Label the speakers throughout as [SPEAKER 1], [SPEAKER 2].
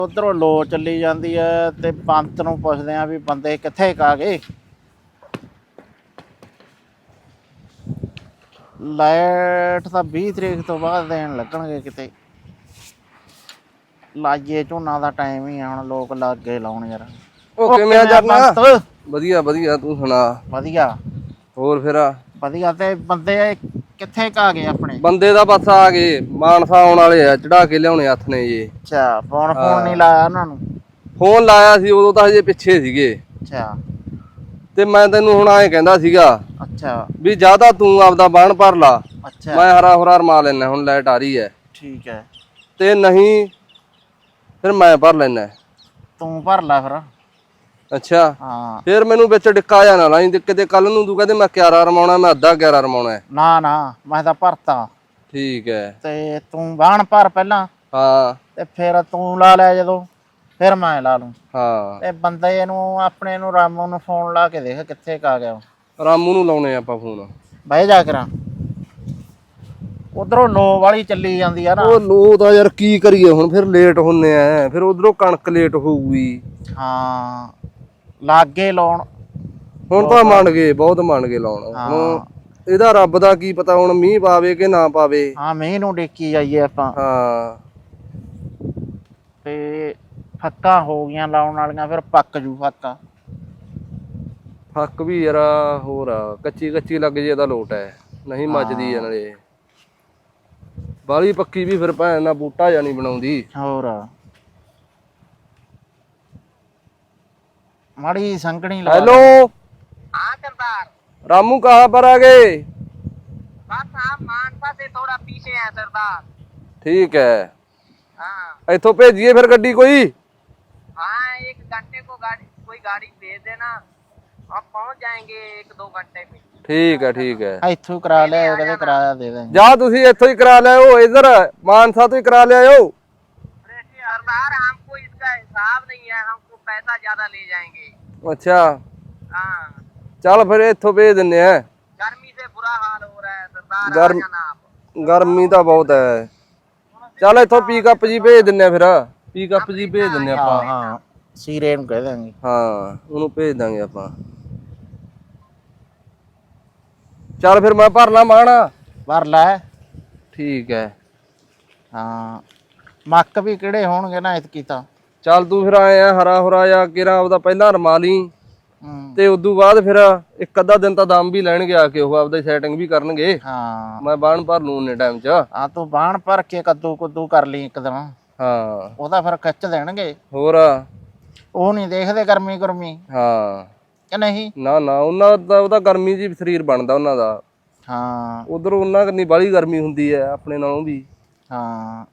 [SPEAKER 1] ਉਧਰੋਂ ਲੋ ਚੱਲੀ ਜਾਂਦੀ ਹੈ ਤੇ ਪੰਤ ਨੂੰ ਪੁੱਛਦੇ ਆ ਵੀ ਬੰਦੇ ਕਿੱਥੇ ਕਾ ਗਏ। ਲਾਈਟ ਤਾਂ 20 ਤਰੀਕ ਤੋਂ ਬਾਅਦ ਦੇਣ ਲੱਗਣਗੇ ਕਿਤੇ। ਲਾਈਏ ਝੋਨਾ ਦਾ ਟਾਈਮ ਹੀ ਆ ਹੁਣ, ਲੋਕ ਲੱਗ ਗਏ ਲਾਉਣ ਯਾਰ।
[SPEAKER 2] ਉਹ ਕਿਵੇਂ ਜਰਨਾ? ਵਧੀਆ ਵਧੀਆ, ਤੂੰ ਸੁਣਾ?
[SPEAKER 1] ਵਧੀਆ।
[SPEAKER 2] ਹੋਰ ਫਿਰ
[SPEAKER 1] ਵਧੀਆ। ਤੇ ਬੰਦੇ ਕਿੱਥੇ ਕਾ ਗਏ ਆਪਣੇ?
[SPEAKER 2] ਬੰਦੇ ਦਾ ਬਸ ਆ ਗਏ, ਮਾਨਸਾ ਆਉਣ ਵਾਲੇ ਆ, ਚੜਾ ਕੇ ਲਿਆਉਣੇ ਹੱਥ ਨੇ ਜੀ।
[SPEAKER 1] ਅੱਛਾ, ਫੋਨ ਨਹੀਂ ਲਾਇਆ ਉਹਨਾਂ ਨੂੰ?
[SPEAKER 2] ਫੋਨ ਲਾਇਆ ਸੀ, ਉਦੋਂ ਤਾਂ ਹਜੇ ਪਿੱਛੇ ਸੀਗੇ।
[SPEAKER 1] ਅੱਛਾ।
[SPEAKER 2] ਤੇ ਮੈਂ ਤੈਨੂੰ ਹੁਣ ਐਂ ਕਹਿੰਦਾ ਸੀਗਾ
[SPEAKER 1] ਅੱਛਾ
[SPEAKER 2] ਵੀ ਜਿਆਦਾ ਤੂੰ ਆਪਦਾ ਬਾਣ ਭਰ ਲਾ।
[SPEAKER 1] ਅੱਛਾ।
[SPEAKER 2] ਮੈਂ ਹਰਾ ਹੁਰਾ ਰਮਾ ਲੈਣਾ, ਹੁਣ ਲਾਈਟ ਆ ਰਹੀ ਹੈ।
[SPEAKER 1] ਠੀਕ ਹੈ।
[SPEAKER 2] ਤੇ ਨਹੀਂ ਫਿਰ ਮੈਂ ਭਰ ਲੈਣਾ।
[SPEAKER 1] ਤੂੰ ਭਰ ਲੈ ਫਿਰ।
[SPEAKER 2] ਅੱਛਾ।
[SPEAKER 1] ਹਾਂ।
[SPEAKER 2] ਫਿਰ ਮੈਨੂੰ ਵਿੱਚ ਡਿੱਕਾ ਜਾਣਾ ਲਾਈ, ਕਿਤੇ ਕੱਲ ਨੂੰ ਤੂੰ ਕਹਿੰਦੇ ਮੈਂ 11 ਰਮਾਉਣਾ, ਮੈਂ ਅੱਧਾ 11 ਰਮਾਉਣਾ।
[SPEAKER 1] ਨਾ ਮੈਂ ਤਾਂ ਭਰਤਾ।
[SPEAKER 2] ਠੀਕ ਹੈ।
[SPEAKER 1] ਤੇ ਤੂੰ ਬਾਣ ਭਰ ਪਹਿਲਾਂ।
[SPEAKER 2] ਹਾਂ।
[SPEAKER 1] ਤੇ ਫਿਰ ਤੂੰ ਲਾ ਲੈ, ਜਦੋਂ ਫਿਰ ਮੈਂ ਲਾ ਲੂੰ।
[SPEAKER 2] ਹਾਂ।
[SPEAKER 1] ਤੇ ਬੰਦੇ ਨੂੰ ਆਪਣੇ ਨੂੰ ਰਾਮੂ ਨੂੰ ਫੋਨ ਲਾ ਕੇ ਦੇਖ ਕਿੱਥੇ ਕਾ ਗਿਆ।
[SPEAKER 2] ਰਾਮੂ ਨੂੰ ਲਾਉਣੇ ਆਪਾਂ ਫੋਨ।
[SPEAKER 1] ਬਹਿ ਜਾ ਕਰਾਂ, ਉਧਰੋਂ ਲੋ ਵਾਲੀ ਚੱਲੀ ਜਾਂਦੀ ਆ ਨਾ।
[SPEAKER 2] ਉਹ ਲੋ ਤਾਂ ਯਾਰ ਕੀ ਕਰੀਏ ਹੁਣ, ਫਿਰ ਲੇਟ ਹੁੰਨੇ ਆ, ਫਿਰ ਉਧਰੋਂ ਕਣਕ ਲੇਟ ਹੋਊਗੀ।
[SPEAKER 1] ਹਾਂ, ਲਾਗੇ ਲਾਉਣ
[SPEAKER 2] ਹੁਣ ਤਾਂ ਮੰਨ ਗਏ, ਬਹੁਤ ਮੰਨ ਗਏ ਲਾਉਣ। ਹੁਣ ਇਹਦਾ ਰੱਬ ਦਾ ਕੀ ਪਤਾ ਹੁਣ ਮੀਂਹ ਪਾਵੇ ਕਿ ਨਾ ਪਾਵੇ।
[SPEAKER 1] ਹਾਂ, ਮੀਂਹ ਨੂੰ ਡਿੱਕੀ ਜਾਈਏ ਆਪਾਂ।
[SPEAKER 2] ਹਾਂ।
[SPEAKER 1] ਤੇ ਫੱਕਾਂ ਹੋ ਗਈਆਂ ਲਾਉਣ ਵਾਲੀਆਂ, ਫਿਰ ਪੱਕ ਜੂ ਫੱਕਾ।
[SPEAKER 2] ਫੱਕ ਵੀ ਯਾਰ ਹੋਰ ਆ, ਕੱਚੀ ਲੱਗ ਜੇ ਤਾਂ ਲੋਟ ਹੈ, ਨਹੀਂ ਮੱਚਦੀ ਆ ਨਾਲੇ। ਬਾਲੀ ਪੱਕੀ ਵੀ ਫਿਰ ਭੈਣ ਨਾਲ ਬੂਟਾ ਜਾਂ ਨਹੀਂ ਬਣਾਉਂਦੀ।
[SPEAKER 1] ਹੋਰ माड़ी संकनी।
[SPEAKER 2] हेलो।
[SPEAKER 3] हाँ सरदार।
[SPEAKER 2] रामू कहाँ पर आ गए?
[SPEAKER 3] बस आप मानसा से थोड़ा पीछे हैं सरदार।
[SPEAKER 2] ठीक है।
[SPEAKER 3] हाँ।
[SPEAKER 2] इथों भेजिए फिर गड्डी कोई।
[SPEAKER 3] हाँ, 1 घंटे को कोई गाड़ी भेज देना, आप पहुँच जाएंगे 1-2 घंटे में।
[SPEAKER 2] ठीक है ठीक है।
[SPEAKER 1] इथों करा ले, कदे किराया दे देंगे।
[SPEAKER 2] जा तुसी इथों ही करा ले, इधर मानसा तो ही करा ले आओ।
[SPEAKER 3] सरदार हमको इसका हिसाब नहीं है, हमको पैसा ज्यादा ले जाएंगे।
[SPEAKER 2] अच्छा।
[SPEAKER 3] हाँ।
[SPEAKER 2] चल फिर इथों भेज दिन्ने हैं।
[SPEAKER 3] गर्मी से बुरा हाल हो रहा है सरदार।
[SPEAKER 2] गर्मी तो बहुत है। चल इथों पिकअप जी भेज दिन्ने फिर, पिकअप जी भेज दिन्ने आपां।
[SPEAKER 1] हाँ, सीरे नूं कह देंगे।
[SPEAKER 2] हाँ, उन्होंने भेज देंगे आपां। चल फिर मैं भर ला माना।
[SPEAKER 1] भर लै।
[SPEAKER 2] ठीक है।
[SPEAKER 1] हाँ, मक्क भी किहड़े होणगे ना इतकी तां।
[SPEAKER 2] चल तू फिर आए हरा हुरा या किरा आपदा पहला रमा ली, ते उदू बाद फिर एक अद्धा दिन तां दम भी लैणगे आके, ओह आपदी सैटिंग भी करनगे।
[SPEAKER 1] हाँ,
[SPEAKER 2] मैं बाण भर लूं उन्ने टाइम च।
[SPEAKER 1] हाँ, तू बाण भर के कद्दू कुद्दू कर ली एक दिन।
[SPEAKER 2] हाँ,
[SPEAKER 1] ओहदा फिर खिच देणगे।
[SPEAKER 2] होर
[SPEAKER 1] ओह नहीं देखदे गर्मी गुरमी।
[SPEAKER 2] हाँ
[SPEAKER 1] कि नहीं?
[SPEAKER 2] ना ना, उन्हां दा ओहदा गर्मी जी शरीर बनदा उन्हां दा।
[SPEAKER 1] हाँ,
[SPEAKER 2] उधर उन्हां कन्नी बाली गर्मी हुंदी है, अपने नालों भी।
[SPEAKER 1] हाँ,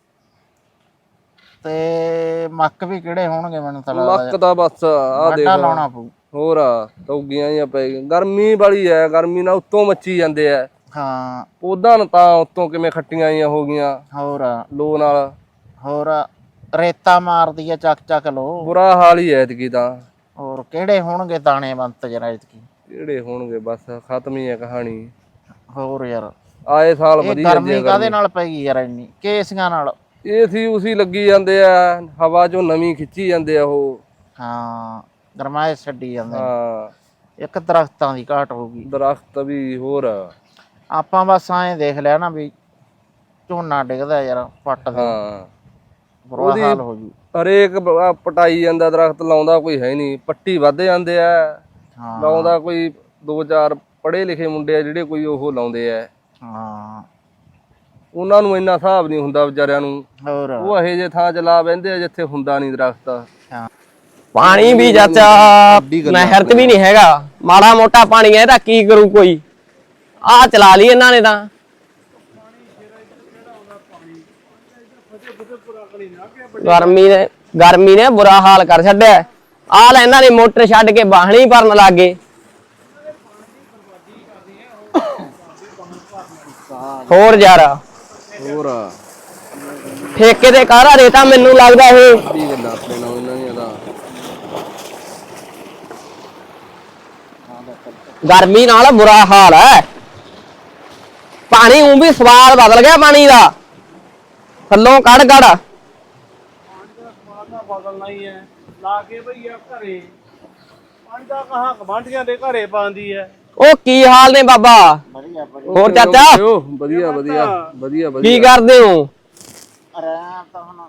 [SPEAKER 1] ते मक्क भी किहड़े होणगे मैनूं तां
[SPEAKER 2] मक्क दा बस आ देख
[SPEAKER 1] लाउणा पऊ।
[SPEAKER 2] होर तौगियां जिहां पै गईयां, गर्मी बड़ी है, गर्मी नाल उत्तों मच्छी जांदे आ।
[SPEAKER 1] हाँ,
[SPEAKER 2] ओदां तां उत्तों किवें खट्टियां जिहां हो गईयां
[SPEAKER 1] होर
[SPEAKER 2] लो नाल।
[SPEAKER 1] होर रेता मारदी है चक चक लो।
[SPEAKER 2] बुरा हाल ही है इतकी तां।
[SPEAKER 1] होर किहड़े होणगे दाणे बंत जरा इतकी।
[SPEAKER 2] किहड़े होणगे, बस खत्म ही है कहानी।
[SPEAKER 1] होर यार
[SPEAKER 2] आए साल वधी
[SPEAKER 1] गर्मी काहदे नाल पै गई यार इन्नी? केसियां नाल।
[SPEAKER 2] एसी उसी लगी जांदे आ, हवा चों नवीं खिच्ची जांदे आ ओह।
[SPEAKER 1] हाँ, गरमाइश छड्डी जांदे।
[SPEAKER 2] हाँ,
[SPEAKER 1] एक दरख्तां दी घाट हो गई।
[SPEAKER 2] दरख्त भी होर।
[SPEAKER 1] ਆਪਾਂ ਬਸ ਐਂ ਦੇਖ ਲਿਆ ਨਾ ਵੀ ਝੋਨਾ ਡਿੱਗਦਾ ਯਾਰ ਪੱਟ ਦੇ।
[SPEAKER 2] ਹਾਂ,
[SPEAKER 1] ਬੁਰਾ ਹਾਲ ਹੋ ਜੂ।
[SPEAKER 2] ਹਰੇਕ ਪਟਾਈ ਜਾਂਦਾ, ਦਰਖਤ ਲਾਉਂਦਾ ਕੋਈ ਹੈ ਨਹੀਂ, ਪੱਟੀ ਵੱਧ ਜਾਂਦੇ ਆ।
[SPEAKER 1] ਹਾਂ,
[SPEAKER 2] ਲਾਉਂਦਾ ਕੋਈ 2-4 ਪੜ੍ਹੇ ਲਿਖੇ ਮੁੰਡੇ ਆ ਜਿਹੜੇ ਕੋਈ ਉਹ ਲਾਉਂਦੇ ਆ।
[SPEAKER 1] ਹਾਂ,
[SPEAKER 2] ਉਹਨਾਂ ਨੂੰ ਇੰਨਾ ਹਿਸਾਬ ਨਹੀਂ ਹੁੰਦਾ ਵਿਚਾਰਿਆਂ ਨੂੰ।
[SPEAKER 1] ਹੋਰ
[SPEAKER 2] ਉਹ ਇਹੋ ਜਿਹੇ ਥਾਂ 'ਚ ਲਾ ਬਹਿੰਦੇ ਆ ਜਿੱਥੇ ਹੁੰਦਾ ਨਹੀਂ ਦਰਖਤ।
[SPEAKER 1] ਹਾਂ,
[SPEAKER 4] ਪਾਣੀ ਵੀ ਚਾਚਾ ਨਹਿਰ ਤੇ ਵੀ ਨਹੀਂ ਹੈਗਾ, ਮਾੜਾ ਮੋਟਾ ਪਾਣੀ ਹੈ, ਇਹਦਾ ਕੀ ਕਰੂ ਕੋਈ? ਆਹ ਚਲਾ ਲਈ ਇਹਨਾਂ ਨੇ ਤਾਂ। ਗਰਮੀ ਨੇ ਬੁਰਾ ਹਾਲ ਕਰ ਛੱਡਿਆ। ਆਹ ਲੈ ਇਹਨਾਂ ਨੇ ਮੋਟਰ ਛੱਡ ਕੇ ਬਾਹਣੀ ਭਰਨ ਲੱਗ ਗਏ। ਹੋਰ ਯਾਰ
[SPEAKER 2] ਹੋਰ
[SPEAKER 4] ਠੇਕੇ ਤੇ ਕਾਹਦਾ ਰੇਤਾ ਮੈਨੂੰ ਲੱਗਦਾ ਇਹ।
[SPEAKER 2] ਕੀ ਗੱਲਾਂ ਆਪਣੇ ਨਾਲ ਇਹਨਾਂ ਦੀਆਂ ਤਾਂ।
[SPEAKER 4] ਗਰਮੀ ਨਾਲ ਬੁਰਾ ਹਾਲ ਹੈ। ਪਾਣੀ ਉਹ ਵੀ ਸਵਾਦ ਬਦਲ ਗਿਆ ਪਾਣੀ ਦਾ, ਥੱਲੋਂ ਕੱਢ
[SPEAKER 5] ਤਾਂ ਬਦਲਣਾ ਹੀ ਹੈ ਲਾ ਕੇ ਭਈਆ ਘਰੇ ਪੰਡਾ ਕਹਾ ਗਵਾਂਢੀਆਂ ਦੇ ਘਰੇ ਪਾਉਂਦੀ ਹੈ।
[SPEAKER 4] ਉਹ ਕੀ ਹਾਲ ਨੇ ਬਾਬਾ?
[SPEAKER 1] ਵਧੀਆ ਵਧੀਆ
[SPEAKER 4] ਹੋਰ ਚਾਚਾ
[SPEAKER 2] ਵਧੀਆ ਵਧੀਆ ਵਧੀਆ ਵਧੀਆ।
[SPEAKER 4] ਕੀ ਕਰਦੇ ਹੋ?
[SPEAKER 1] ਰਹਿ ਤਾਂ ਹੁਣ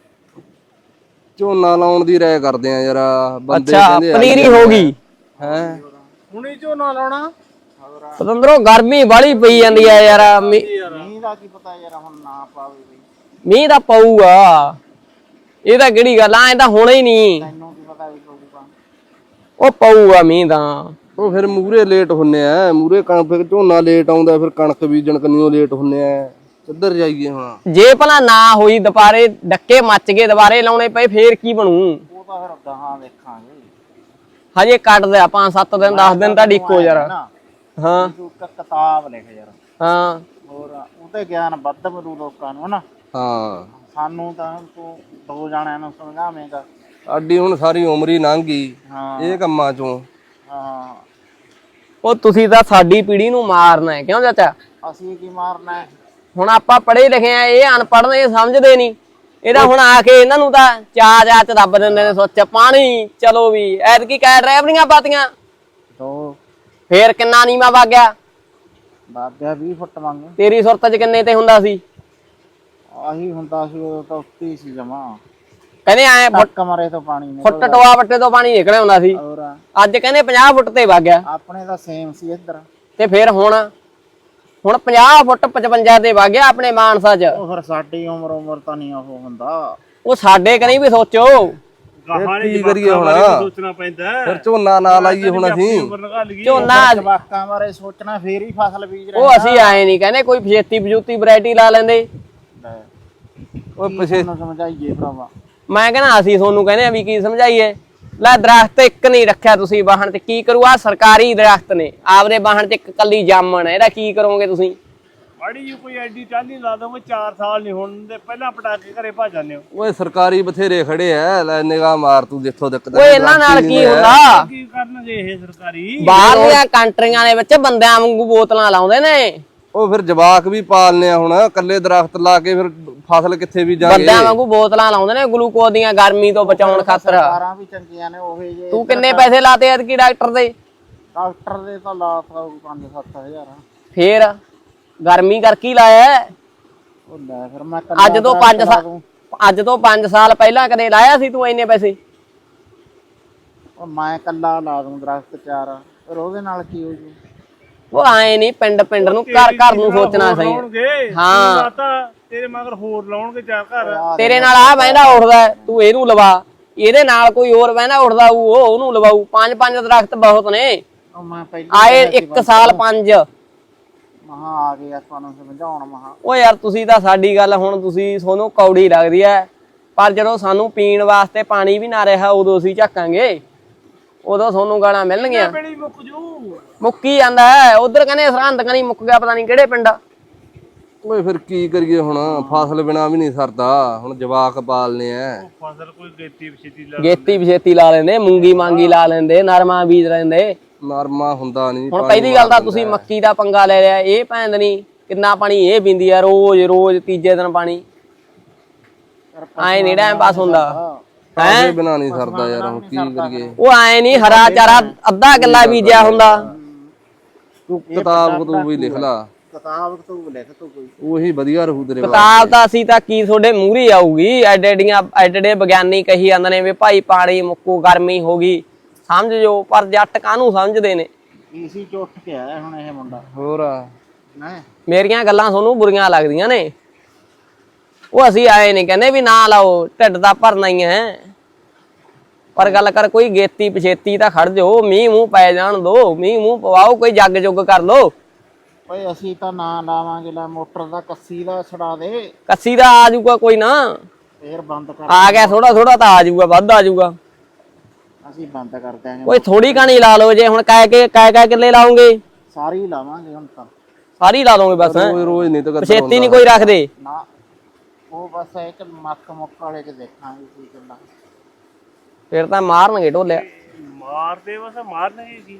[SPEAKER 2] ਝੋਨਾ ਲਾਉਣ ਦੀ ਰਾਏ ਕਰਦੇ ਆ ਯਾਰ। ਬੰਦੇ
[SPEAKER 4] ਅੱਛਾ
[SPEAKER 2] ਕਹਿੰਦੇ
[SPEAKER 4] ਪਨੀਰੀ ਹੋ ਗਈ
[SPEAKER 2] ਹੈ।
[SPEAKER 5] ਹੁਣੀ ਝੋਨਾ ਲਾਉਣਾ
[SPEAKER 4] ਪਤੰਦਰੋਂ ਗਰਮੀ ਬਾਲੀ ਪਈ ਜਾਂਦੀ ਆ ਯਾਰ।
[SPEAKER 1] ਮੀਂਹ ਦਾ ਕੀ ਪਤਾ ਯਾਰ ਹੁਣ ਨਾ ਪਾਵੇ ਬਈ
[SPEAKER 4] ਮੀਂਹ ਤਾਂ ਪਊਗਾ, ਇਹ ਤਾਂ ਕਿਹੜੀ ਗੱਲ ਆ, ਇਹ ਤਾਂ ਹੋਣਾ ਹੀ ਨਹੀਂ।
[SPEAKER 1] ਤੈਨੂੰ ਕੀ ਪਤਾ ਵੀ ਪਊਗਾ।
[SPEAKER 4] ਉਹ ਪਊਗਾ ਮੀਂਹ ਤਾਂ।
[SPEAKER 2] ਉਹ ਫਿਰ ਮੂਰੇ ਲੇਟ ਹੁੰਨੇ ਆ, ਮੂਰੇ ਕਣਕ ਫਿਰ ਝੋਨਾ ਲੇਟ ਆਉਂਦਾ, ਫਿਰ ਕਣਕ ਬੀਜਣ ਕੰਨੀਓ ਲੇਟ ਹੁੰਨੇ ਆ। ਕਿੱਧਰ ਜਾਈਏ ਹੁਣ?
[SPEAKER 4] ਜੇ ਭਲਾ ਨਾ ਹੋਈ ਦੁਬਾਰੇ ਡੱਕੇ ਮੱਚ ਗਏ ਦੁਬਾਰੇ ਲਾਉਣੇ ਪਏ ਫੇਰ ਕੀ ਬਣੂ?
[SPEAKER 1] ਉਹ ਤਾਂ ਫਿਰ ਗਾਹਾਂ ਵੇਖਾਂਗੇ।
[SPEAKER 4] ਹਜੇ ਕੱਢਦੇ ਆ 5-7 ਦਿਨ 10 ਦਿਨ ਤਾਂ ਡਿੱਕੋ ਯਾਰ। ਹਾਂ
[SPEAKER 1] ਤੂੰ ਇੱਕ ਕਿਤਾਬ ਲਿਖ ਯਾਰ।
[SPEAKER 4] ਹਾਂ
[SPEAKER 1] ਹੋਰ ਉਹਤੇ ਗਿਆਨ ਵੱਧ ਮਿਲੂ ਲੋਕਾਂ ਨੂੰ ਹਨਾ।
[SPEAKER 2] ਹਾਂ
[SPEAKER 1] ਸਾਨੂੰ ਤਾਂ ਤੂੰ ਦੋ ਜਾਣਿਆਂ ਨੂੰ ਸਮਝਾਵੇਂਗਾ।
[SPEAKER 2] ਸਾਡੀ ਹੁਣ ਸਾਰੀ ਉਮਰ ਹੀ ਲੰਘ ਗਈ
[SPEAKER 1] ਹਾਂ
[SPEAKER 2] ਇਹ ਕੰਮਾਂ ਚੋਂ।
[SPEAKER 1] ਹਾਂ
[SPEAKER 4] ਉਹ ਤੁਸੀਂ ਤਾਂ ਸਾਡੀ ਪੀੜ੍ਹੀ ਨੂੰ ਮਾਰਨਾ ਹੈ, ਕਿਉਂ ਚਾਚਾ?
[SPEAKER 1] ਅਸੀਂ ਕੀ ਮਾਰਨਾ ਹੈ?
[SPEAKER 4] ਹੁਣ ਆਪਾਂ ਪੜ੍ਹੇ ਲਿਖੇ ਆ, ਇਹ ਅਨਪੜ੍ਹ ਨੇ, ਇਹ ਸਮਝਦੇ ਨਹੀਂ। ਇਹਦਾ ਹੁਣ ਆ ਕੇ ਇਹਨਾਂ ਨੂੰ ਤਾਂ ਚਾਹ ਚ ਦੱਬ ਦਿੰਦੇ ਨੇ ਸੋਚ ਪਾਣੀ। ਚਲੋ ਵੀ ਐਤਕੀ ਕੈ ਡਰਾਈਵਰੀਆਂ ਪਾਤੀਆਂ
[SPEAKER 1] ਦੋ
[SPEAKER 4] ਫੇਰ ਕਿੰਨਾ ਨੀਵਾ ਵਗ ਗਿਆ।
[SPEAKER 1] ਬਾਬਿਆ 20 ਫੁੱਟ ਮੰਗ
[SPEAKER 4] ਤੇਰੀ ਸੁਰਤ ਚ ਕਿੰਨੇ ਤੇ ਹੁੰਦਾ ਸੀ?
[SPEAKER 1] ਆਹੀ ਹੁੰਦਾ ਸੀ ਉਦੋਂ ਤਾਂ ਉੱਤੇ ਹੀ ਸੀ ਜਮਾ।
[SPEAKER 4] ਕਹਿੰਦੇ ਐ
[SPEAKER 1] ਕਮਰੇ ਤੋਂ ਪਾਣੀ ਨਹੀਂ
[SPEAKER 4] ਫੁੱਟ ਟੋਆ ਵੱਟੇ ਤੋਂ ਪਾਣੀ ਨਿਕਲਿਆ ਹੁੰਦਾ ਸੀ।
[SPEAKER 1] ਹੋਰ
[SPEAKER 4] ਅੱਜ ਕਹਿੰਦੇ 50 ਫੁੱਟ ਤੇ ਵਗ ਗਿਆ।
[SPEAKER 1] ਆਪਣੇ ਤਾਂ ਸੇਮ ਸੀ ਇੱਧਰ।
[SPEAKER 4] ਤੇ ਫਿਰ ਹੁਣ 50 ਫੁੱਟ 55 ਤੇ ਵਗ ਗਿਆ ਆਪਣੇ ਮਾਨਸਾ ਚ।
[SPEAKER 1] ਉਹ ਫਿਰ ਸਾਡੀ ਉਮਰ ਤਾਂ ਨਹੀਂ ਉਹ ਹੁੰਦਾ।
[SPEAKER 4] ਉਹ ਸਾਡੇ ਕਨੀ ਵੀ ਸੋਚੋ।
[SPEAKER 5] ਗਾਹਾਂ
[SPEAKER 2] ਕੀ ਕਰੀਏ ਹੁਣ?
[SPEAKER 5] ਸੋਚਣਾ ਪੈਂਦਾ ਹੈ।
[SPEAKER 2] ਫਿਰ ਝੋਨਾ ਨਾ ਲਾਈਏ ਹੁਣ ਅਸੀਂ।
[SPEAKER 5] ਉਮਰ ਨਿਕਾਲ ਗਈ
[SPEAKER 4] ਝੋਨਾ
[SPEAKER 1] ਜਵਾਕਾਂ ਬਾਰੇ ਸੋਚਣਾ ਫੇਰ ਹੀ ਫਸਲ ਬੀਜ ਰਹੇ।
[SPEAKER 4] ਉਹ ਅਸੀਂ ਆਏ ਨਹੀਂ ਕਹਿੰਦੇ ਕੋਈ ਫਜੇਤੀ ਬਜੂਤੀ ਵੈਰਾਈਟੀ ਲਾ ਲੈਂਦੇ।
[SPEAKER 2] ਉਹ ਪਿਛੇ
[SPEAKER 1] ਨੂੰ ਸਮਝਾਈਏ ਭਰਾਵਾ।
[SPEAKER 4] ਮੈਂ ਕਹਿੰਦਾ ਅਸੀਂ ਤੁਹਾਨੂੰ ਕਹਿੰਦੇ ਆ ਵੀ ਕੀ ਸਮਝਾਈਏ। ਲੈ ਦਰਖਤ ਇੱਕ ਨਹੀਂ ਰੱਖਿਆ ਤੁਸੀਂ ਵਾਹਣ ਤੇ, ਕੀ ਕਰੂ? ਆ ਸਰਕਾਰੀ ਦਰਖਤ ਨੇ, ਆਪਦੇ ਵਾਹਣ ਤੇ ਇੱਕ ਕੱਲੀ ਜਾਮਣ ਹੈ, ਇਹਦਾ ਕੀ ਕਰੋਗੇ ਤੁਸੀਂ?
[SPEAKER 5] ਮਾੜੀ ਜੀ ਕੋਈ ਐਡੀ ਟਾਲੀ ਲਾ ਦੋਗੇ 4 ਸਾਲ ਨਹੀਂ ਹੋਣ ਦੇ ਪਹਿਲਾਂ ਪਟਾਕੇ ਘਰੇ ਭੱਜ ਜਾਂਦੇ ਹੋ।
[SPEAKER 2] ਓਏ ਸਰਕਾਰੀ ਬਥੇਰੇ ਖੜੇ ਐ, ਲੈ ਨਿਗਾਹ ਮਾਰ ਤੂੰ ਜਿੱਥੋਂ ਤੱਕ।
[SPEAKER 4] ਓਏ ਇਹਨਾਂ ਨਾਲ ਕੀ ਹੁੰਦਾ?
[SPEAKER 5] ਕੀ ਕਰਨਗੇ ਇਹ ਸਰਕਾਰੀ?
[SPEAKER 4] ਬਾਹਰਲੀਆਂ ਕੰਟਰੀਆਂ ਦੇ ਵਿੱਚ ਬੰਦਿਆਂ ਵਾਂਗੂ ਬੋਤਲਾਂ ਲਾਉਂਦੇ ਨੇ।
[SPEAKER 2] ਉਹ ਫਿਰ ਜਵਾਕ ਵੀ ਪਾਲਨੇ ਆ ਹੁਣ। ਕੱਲੇ ਦਰਖਤ ਲਾ ਕੇ ਫਿਰ ਫਸਲ ਕਿੱਥੇ ਵੀ ਜਾਗੇ?
[SPEAKER 4] ਬੰਦਿਆਂ ਵਾਂਗੂ ਬੋਤਲਾਂ ਲਾਉਂਦੇ ਨੇ ਗਲੂਕੋਜ਼ ਦੀਆਂ ਗਰਮੀ ਤੋਂ ਬਚਾਉਣ ਖਾਤਰ।
[SPEAKER 1] ਸਰਕਾਰਾਂ ਵੀ ਚੰਗੀਆਂ ਨੇ ਉਹ ਜੇ।
[SPEAKER 4] ਤੂੰ ਕਿੰਨੇ ਪੈਸੇ ਲਾਤੇ ਐਤਕੀ ਡਾਕਟਰ ਦੇ?
[SPEAKER 1] ਡਾਕਟਰ ਦੇ ਤਾਂ ਲਾ 5-7 ਹਜ਼ਾਰ।
[SPEAKER 4] ਫੇਰ ਗਰਮੀ ਕਰ ਕੀ ਲਾਇਆ?
[SPEAKER 1] ਉਹ ਲੈ ਫਿਰ ਮੈਂ
[SPEAKER 4] ਅੱਜ ਤੋਂ 5 ਸਾਲ ਪਹਿਲਾਂ ਕਦੇ ਲਾਇਆ ਸੀ ਤੂੰ ਇੰਨੇ ਪੈਸੇ?
[SPEAKER 1] ਉਹ ਮੈਂ ਕੱਲਾ ਲਾ ਦੂੰ ਦਰਖਤ 4। ਫਿਰ ਉਹਦੇ ਨਾਲ ਕੀ ਹੋ ਜੂ?
[SPEAKER 4] ਉਹ ਆਏ ਨਹੀਂ, ਪਿੰਡ ਪਿੰਡ ਨੂੰ ਘਰ ਘਰ ਨੂੰ ਸੋਚਣਾ ਸਹੀ। ਹਾਂ
[SPEAKER 5] ਲਾਤਾ ਤੇਰੇ ਮਗਰ ਹੋਰ ਲਾਉਣਗੇ 4 ਘਰ।
[SPEAKER 4] ਤੇਰੇ ਨਾਲ ਆ ਬਹਿੰਦਾ ਉੱਠਦਾ, ਤੂੰ ਇਹਨੂੰ ਲਵਾ। ਇਹਦੇ ਨਾਲ ਕੋਈ ਹੋਰ ਬਹਿੰਦਾ ਉੱਠਦਾ ਉਹਨੂੰ ਲਵਾਊ। 5-5 ਦਰਖਤ ਬਹੁਤ ਨੇ।
[SPEAKER 1] ਉਹ ਮੈਂ ਪਹਿਲਾਂ
[SPEAKER 4] ਆਏ 1 ਸਾਲ 5।
[SPEAKER 1] ਮਹਾ ਆ ਗਏ ਆਪਾਂ ਨੂੰ ਸਮਝਾਉਣ ਮਹਾ।
[SPEAKER 4] ਉਹ ਯਾਰ ਤੁਸੀਂ ਤਾਂ ਸਾਡੀ ਗੱਲ ਹੁਣ ਤੁਸੀਂ ਤੁਹਾਨੂੰ ਕੌੜੀ ਲੱਗਦੀ ਐ, ਪਰ ਜਦੋਂ ਸਾਨੂੰ ਪੀਣ ਵਾਸਤੇ ਪਾਣੀ ਵੀ ਨਾ ਰਿਹਾ ਉਦੋਂ ਅਸੀਂ ਝਾਕਾਂਗੇ, ਉਦੋਂ ਤੁਹਾਨੂੰ ਗਾਲਾਂ ਮਿਲਣਗੀਆਂ।
[SPEAKER 5] ਬੇੜੀ ਮੁੱਕ ਜੂ।
[SPEAKER 4] ਮੁੱਕੀ ਜਾਂਦਾ ਉਧਰ ਕਹਿੰਦੇ ਸਰਹੰਦ ਕਨੀ ਮੁੱਕ ਗਿਆ, ਪਤਾ ਨਹੀਂ ਕਿਹੜੇ ਪਿੰਡ।
[SPEAKER 2] ਓਏ ਫਿਰ ਕੀ ਕਰੀਏ ਹੁਣ? ਫਸਲ ਬਿਨਾ ਵੀ ਨਹੀਂ ਸਰਦਾ ਹੁਣ, ਜਵਾਕ ਪਾਲਨੇ ਆ।
[SPEAKER 5] ਫਸਲ ਕੋਈ ਗੇਤੀ ਵਿਛੇਤੀ ਲਾ
[SPEAKER 4] ਗੇਤੀ ਵਿਛੇਤੀ ਲਾ ਲੈਂਦੇ, ਮੂੰਗੀ ਮਾਂਗੀ ਲਾ ਲੈਂਦੇ, ਨਰਮਾ ਬੀਜ ਲੈਂਦੇ।
[SPEAKER 2] ਨਰਮਾ ਹੁੰਦਾ ਨਹੀਂ।
[SPEAKER 4] ਹੁਣ ਪਹਿਲੀ ਗੱਲ ਤਾਂ ਤੁਸੀਂ ਮੱਕੀ ਦਾ ਪੰਗਾ ਲੈ ਲਿਆ। ਇਹ ਭੈਣ ਨਹੀਂ ਕਿੰਨਾ ਪਾਣੀ ਇਹ ਪੀਂਦੀ ਆ ਰੋਜ਼ ਤੀਜੇ ਦਿਨ ਪਾਣੀ। ਐ ਨਹੀਂ ਟਾਈਮ ਪਾਸ ਹੁੰਦਾ
[SPEAKER 2] ਹੈ ਬਿਨਾ ਨਹੀਂ ਸਰਦਾ ਯਾਰ। ਹੁਣ ਕੀ ਕਰੀਏ?
[SPEAKER 4] ਉਹ ਐ ਨਹੀਂ ਹਰਾ ਚਾਰਾ ਅੱਧਾ ਕਿੱਲਾ ਬੀਜਿਆ ਹੁੰਦਾ।
[SPEAKER 2] ਤੂੰ ਕਿਤਾਬ ਤੂੰ ਵੀ ਲਿਖ ਲਾ।
[SPEAKER 1] ਕਿਤਾਬ ਤੂੰ ਲਿਖ ਤੂੰ ਕੋਈ।
[SPEAKER 2] ਉਹੀ ਵਧੀਆ ਰਹੂ ਤੇਰੇ
[SPEAKER 4] ਕਿਤਾਬ ਤਾਂ ਅਸੀਂ ਤਾਂ ਕੀ ਤੁਹਾਡੇ ਮੂਹਰੇ ਆਊਗੀ। ਐਡੇ ਵਿਗਿਆਨੀ ਕਹੀ ਜਾਂਦੇ ਨੇ ਵੀ ਭਾਈ ਪਾਣੀ ਮੁੱਕੂ, ਗਰਮੀ ਹੋ ਗਈ, ਸਮਝ ਜੋ। ਪਰ ਜੱਟ ਕਾਹਨੂੰ ਸਮਝਦੇ ਨੇ?
[SPEAKER 1] ਈਸੀ ਚ ਉੱਠ ਕੇ ਆਇਆ ਹੁਣ ਇਹ ਮੁੰਡਾ।
[SPEAKER 2] ਹੋਰ
[SPEAKER 1] ਨਾ
[SPEAKER 4] ਮੇਰੀਆਂ ਗੱਲਾਂ ਤੁਹਾਨੂੰ ਬੁਰੀਆਂ ਲੱਗਦੀਆਂ ਨੇ। ਉਹ ਅਸੀਂ ਆਏ ਨਹੀਂ ਕਹਿੰਦੇ ਵੀ ਨਾ ਲਾਓ, ਢਿੱਡ ਦਾ ਭਰਨਾ ਹੀ ਹੈ। ਪਰ ਗੱਲ ਕਰ ਕੋਈ ਗੇਤੀ ਪਛੇਤੀ ਤਾਂ ਖੜ ਜਾਓ, ਮੀਂਹ ਮੂੰਹ ਪੈ ਜਾਣ ਦੋ, ਮੀਂਹ ਮੂੰਹ ਪਵਾਓ, ਕੋਈ ਜੱਗ ਜੁੱਗ ਕਰ ਲੋ।
[SPEAKER 1] ਓਏ ਅਸੀਂ ਤਾਂ ਨਾ ਲਾਵਾਂਗੇ। ਲੈ ਮੋਟਰ ਦਾ ਕੱਸੀ ਦਾ ਛਡਾ ਦੇ।
[SPEAKER 4] ਕੱਸੀ ਦਾ ਆ ਜਾਊਗਾ ਕੋਈ ਨਾ,
[SPEAKER 1] ਫੇਰ ਬੰਦ ਕਰ।
[SPEAKER 4] ਆ ਗਿਆ ਥੋੜਾ ਥੋੜਾ ਤਾਂ ਆ ਜਾਊਗਾ, ਵੱਧ ਆ ਜਾਊਗਾ।
[SPEAKER 1] ਅਸੀਂ ਬੰਦ ਕਰ ਦਿਆਂਗੇ।
[SPEAKER 4] ਓਏ ਥੋੜੀ ਕਹਾਣੀ ਲਾ ਲਓ। ਜੇ ਹੁਣ ਕਹਿ ਕਿੱਲੇ ਲਾਉਂਗੇ?
[SPEAKER 1] ਸਾਰੀ ਲਾਵਾਂਗੇ ਹੁਣ ਤਾਂ।
[SPEAKER 4] ਸਾਰੀ ਲਾ ਦੋਗੇ ਬਸ।
[SPEAKER 2] ਰੋਜ਼ ਨਹੀਂ ਤਾਂ
[SPEAKER 4] ਪਛੇਤੀ ਨਹੀਂ ਕੋਈ ਰੱਖਦੇ
[SPEAKER 1] ਨਾ। ਉਹ ਬਸ ਇੱਕ ਮੱਕ ਮੁੱਕ ਵਾਲੇ ਚ ਦੇਖਾਂਗੇ ਕੀ ਕਰਨਾ।
[SPEAKER 4] ਫਿਰ ਤਾਂ ਮਾਰਨਗੇ ਢੋਲਿਆ।
[SPEAKER 5] ਮਾਰਦੇ ਬਸ ਮਾਰਨਗੇ ਕੀ।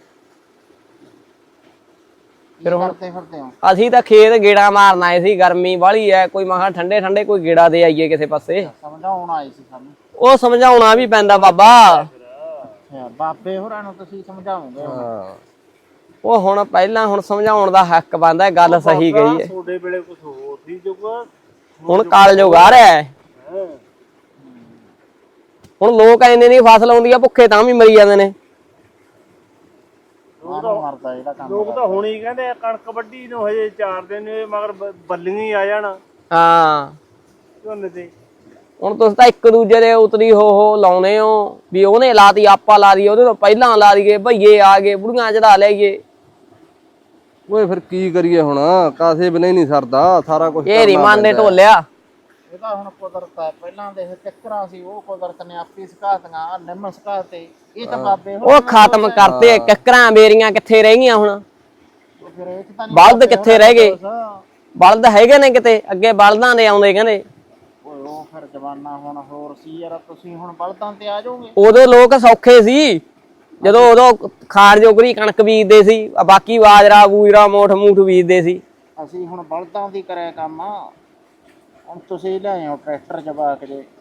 [SPEAKER 1] ਫਿਰ ਹੁਣ ਫਿਰਦੇ ਹੋ।
[SPEAKER 4] ਅਸੀਂ ਤਾਂ ਖੇਤ ਗੇੜਾ ਮਾਰਨ ਆਏ ਸੀ, ਗਰਮੀ ਵਾਲੀ ਐ, ਕੋਈ ਮਹਾ ਠੰਡੇ ਠੰਡੇ ਕੋਈ ਗੇੜਾ ਦੇ ਆਈਏ ਕਿਸੇ ਪਾਸੇ।
[SPEAKER 1] ਸਮਝਾਉਣ ਆਏ ਸੀ ਸਾਨੂੰ।
[SPEAKER 4] ਉਹ ਸਮਝਾਉਣਾ ਵੀ ਪੈਂਦਾ ਬਾਬਾ।
[SPEAKER 1] ਅੱਛਾ, ਬਾਬੇ ਹੋਰਾਂ ਨੂੰ ਤੁਸੀਂ ਸਮਝਾਓਗੇ ਹੁਣ।
[SPEAKER 2] ਹਾਂ
[SPEAKER 4] ਉਹ ਹੁਣ ਪਹਿਲਾਂ ਹੁਣ ਸਮਝਾਉਣ ਦਾ ਹੱਕ ਬਣਦਾ, ਗੱਲ ਸਹੀ ਗਈ ਹੈ।
[SPEAKER 5] ਤੁਹਾਡੇ ਵੇਲੇ ਕੁਝ ਹੋਰ ਸੀ ਜੁਗਾ।
[SPEAKER 4] ਹੁਣ ਕਾਲਜੁਗ ਆ ਰਿਹਾ ਹੈ। ਹੁਣ ਲੋਕ ਇੰਨੇ ਨਹੀਂ ਫਸਲ ਆਉਂਦੀ ਆ, ਭੁੱਖੇ ਤਾਂ ਵੀ ਮਰੀ ਜਾਂਦੇ ਨੇ।
[SPEAKER 1] ਮਰਦਾ ਜਿਹੜਾ ਕੰਮ
[SPEAKER 5] ਲੋਕ ਤਾਂ ਹੁਣ ਹੀ ਕਹਿੰਦੇ ਆ ਕਣਕ ਵੱਢੀ ਨੂੰ ਹਜੇ 4 ਦਿਨ ਹੋਏ, ਮਗਰ ਬੱਲੀਆਂ ਹੀ ਆ ਜਾਣ
[SPEAKER 4] ਹਾਂ
[SPEAKER 5] ਝੋਨੇ ਤੇ।
[SPEAKER 4] ਹੁਣ ਤੁਸੀਂ ਤਾਂ ਇੱਕ ਦੂਜੇ ਦੇ ਉਤਰੀ ਹੋ ਲਾਉਨੇ ਹੋ ਵੀ ਉਹਨੇ ਲਾਤੀ ਆਪਾਂ ਲਾ ਦਈਏ, ਉਹਦੇ ਤੋਂ ਪਹਿਲਾਂ ਲਾ ਦਈਏ, ਭਈਏ ਆ ਗਏ ਬੁੜੀਆਂ ਚੜਾ ਲਈਏ।
[SPEAKER 2] ਓਏ ਫਿਰ ਕੀ ਕਰੀਏ ਹੁਣ, ਕਾਸੇ ਬਿਨਾਂ ਹੀ ਨਹੀਂ ਸਰਦਾ ਸਾਰਾ ਕੁਝ।
[SPEAKER 4] ਇਹ ਰਿਮਾਨ ਦੇ ਢੋਲਿਆ।
[SPEAKER 1] ਇਹ ਤਾਂ ਹੁਣ ਕੁਦਰਤ ਹੈ, ਪਹਿਲਾਂ ਦੇ ਚੱਕਰਾਂ ਸੀ ਉਹ ਕੁਦਰਤ ਨੇ ਆਪੀ ਸਿਖਾਤੀਆਂ, ਨਿੰਮ ਸਿਖਾਤੇ। ਇਹ ਤਾਂ ਬਾਬੇ
[SPEAKER 4] ਉਹ ਖਤਮ ਕਰਤੇ, ਕਿੱਕਰਾਂ ਬੇਰੀਆਂ ਕਿੱਥੇ ਰਹਿ ਗਈਆਂ ਹੁਣ?
[SPEAKER 1] ਫਿਰ ਇਹ 'ਚ ਤਾਂ ਨੀ
[SPEAKER 4] ਬਲਦ
[SPEAKER 1] ਬਾਬੇ
[SPEAKER 4] ਕਿੱਥੇ
[SPEAKER 1] ਹੋਰਾਂ
[SPEAKER 4] ਰਹਿ ਗਏ?
[SPEAKER 1] ਦਾ
[SPEAKER 4] ਬਲਦ ਹੈਗੇ ਨੇ ਕਿਤੇ, ਅੱਗੇ ਬਲਦਾਂ ਦੇ ਆਉਂਦੇ ਕਹਿੰਦੇ।
[SPEAKER 1] ਓਏ ਉਹ ਫਿਰ ਜਵਾਨਾ ਹੁਣ ਹੋਰ ਸੀ ਯਾਰ, ਤੁਸੀਂ ਹੁਣ ਬਲਦਾਂ ਤੇ ਆ ਜਾਓਗੇ।
[SPEAKER 4] ਉਦੋਂ ਲੋਕ ਸੌਖੇ ਸੀ, ਜਦੋਂ ਉਦੋਂ ਖਾਣ ਜੋਗਰੀ ਕਣਕ ਬੀਜਦੇ ਸੀ, ਬਾਕੀ ਬਾਜਰਾ ਬੂਜਰਾ ਮੋਠ ਮੂਠ ਬੀਜਦੇ ਸੀ।
[SPEAKER 1] ਅਸੀਂ ਹੁਣ ਬਲਦਾਂ ਦੀ ਕਰਿਆ ਕੰਮ, ਹੁਣ ਤੁਸੀਂ ਲਿਆਏ ਹੋ ਟਰੈਕਟਰ ਜਵਾ ਕੇ ਜੇ